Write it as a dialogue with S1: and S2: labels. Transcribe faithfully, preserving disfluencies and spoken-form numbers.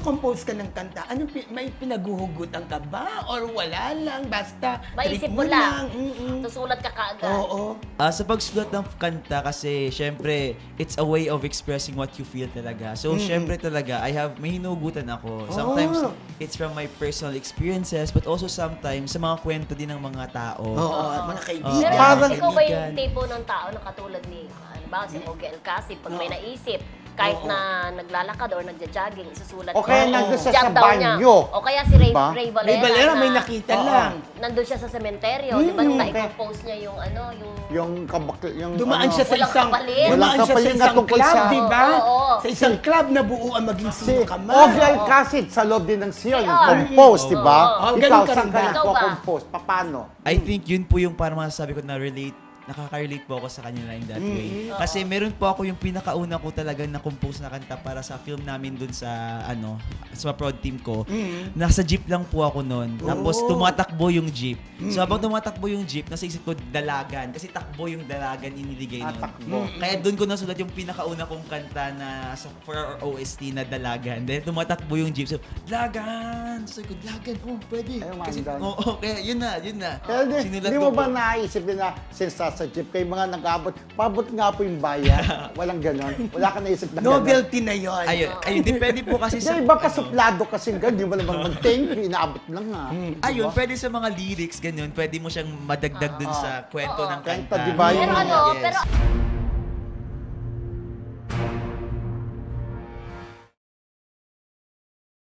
S1: nagko-compose ka ng kanta, ano, may pinaguhugutan ka ba? Or wala lang, basta
S2: Maisip
S1: trip
S2: mo lang.
S1: Mm-mm.
S2: Susulat ka kaagad.
S1: Oo.
S3: Ah, sa pagsulat ng kanta kasi, syempre, it's a way of expressing what you feel talaga. So,
S1: Mm.
S3: syempre talaga, I have, may hinugutan ako. Sometimes,
S1: Oh.
S3: it's from my personal experiences, but also sometimes, sa mga kwento din ng mga tao.
S1: Oo, at mga
S3: Oo.
S1: kaibigan.
S2: Pero
S3: Parang-
S2: ikaw ba yung
S3: kaibigan.
S2: tipo ng tao na katulad ni, ano ba, si Ogie Alcacid, pag may
S1: Oo.
S2: naisip, kahit
S1: Oo.
S2: na naglalakad or nagja-jogging, isusulat
S4: O kaya
S1: Oo.
S4: nandun siya
S2: Jot
S4: sa
S2: down niya.
S4: banyo.
S2: O kaya si Ray,
S4: Diba?
S2: Ray Valera,
S1: Ray Valera,
S2: na
S1: may nakita
S4: Oo.
S1: lang.
S2: nandun siya sa sementeryo, di ba? Nung
S4: Mm,
S2: na-compose niya yung ano, yung...
S4: Yung kabak... Yung,
S1: Dumaan
S4: ano,
S1: siya sa
S2: Walang
S1: isang
S2: kapalit.
S1: dumaan
S4: Walang
S1: siya sa
S4: kapalit na
S1: isang
S4: tungkol
S1: club,
S4: sa-
S1: di ba?
S2: Oo, oo.
S1: Sa isang club na buo ang maging
S4: Si
S1: sino ka man.
S4: Ogie Alcacid sa loob din ng Sion.
S2: Si R.
S4: Compose, di ba?
S1: Oo. Oh, ganun
S4: Ikaw,
S1: ka
S4: saan
S1: rin
S4: ka
S1: ba?
S2: Ikaw ba?
S4: nagpo-compose? Paano?
S3: I think yun po yung parang masasabi ko na relate, nakaka-relate po ako sa kanila in that way. Kasi meron po ako yung pinakauna ko talagang na-compose na kanta para sa film namin dun sa, ano, sa prod team ko. Nasa jeep lang po ako noon. Tapos
S1: Oh.
S3: tumatakbo yung jeep. So habang tumatakbo yung jeep, nasa isip ko dalagan. Kasi takbo yung dalagan iniligay
S4: Ah,
S3: noon.
S4: takbo.
S3: Kaya dun ko nasulat yung pinakauna kong kanta na sa, for our O S T na dalagan. Then tumatakbo yung jeep. So, dalagan! So, ko, dalagan, oh, pwede.
S4: Ay,
S3: Kasi,
S4: mandan.
S3: oo, oh, kaya yun na, yun na.
S4: Pero di,
S3: Sinulat
S4: di
S3: ko
S4: mo ba
S3: po.
S4: naisip din na since sa jeep, kayo mga nag-abot, pabot nga po yung bayan. Walang ganon. Wala ka naisip na ganon.
S1: Novelty na yon.
S3: Ayun, ayun, depende po kasi sa...
S4: Hindi, iba
S3: ano,
S4: kasuplado kasi ganun. Di mo naman mag-thank you, inaabot lang nga.
S3: Ayun, pwede sa mga lyrics, ganyan, pwede mo siyang madagdag dun sa kwento ng
S4: Kanta,
S3: kanta.
S4: di ba?
S2: Pero
S4: Yung-
S2: ano,
S3: Yes.
S2: pero